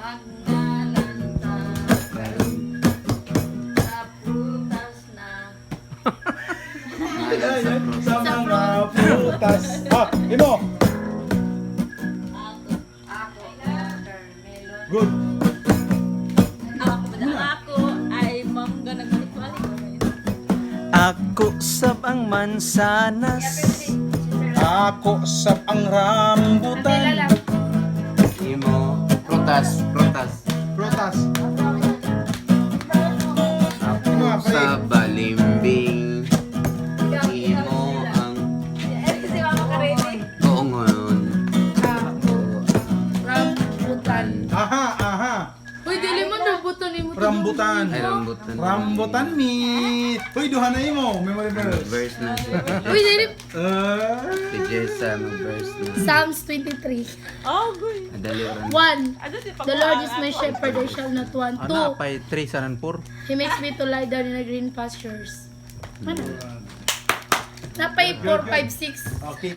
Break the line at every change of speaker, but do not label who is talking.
Magnalanta sa prutas na.
Sa mga prutas. Ah, imo.
Ako, watermelon.
Good.
Ako ay mangga nagbalik-balik.
Ako sab ang mansanas.
Ako sab ang rambutan.
Imo prutas, prutas.
Prutas.
Ako sa balimbing. Imo ang
Kasi mama ka ready.
koongon.
Rambutan.
Aha, aha.
Uy, dili mo rambutan ni mo.
Rambutan.
Ay rambutan.
Rambutan meat. Uy, duha na imo. Memory verse.
Verse na siya.
Uy, dili.
Si Jessa mag-verse na.
Psalms 23.
Oh, good.
Adali ron.
1. The Lord is my shepherd, I shall not want.
Ana
2.
pay 3 sa ranpur.
He makes me to lie down in the green pastures. Ano? Napay 4, 5, 6.
Okay.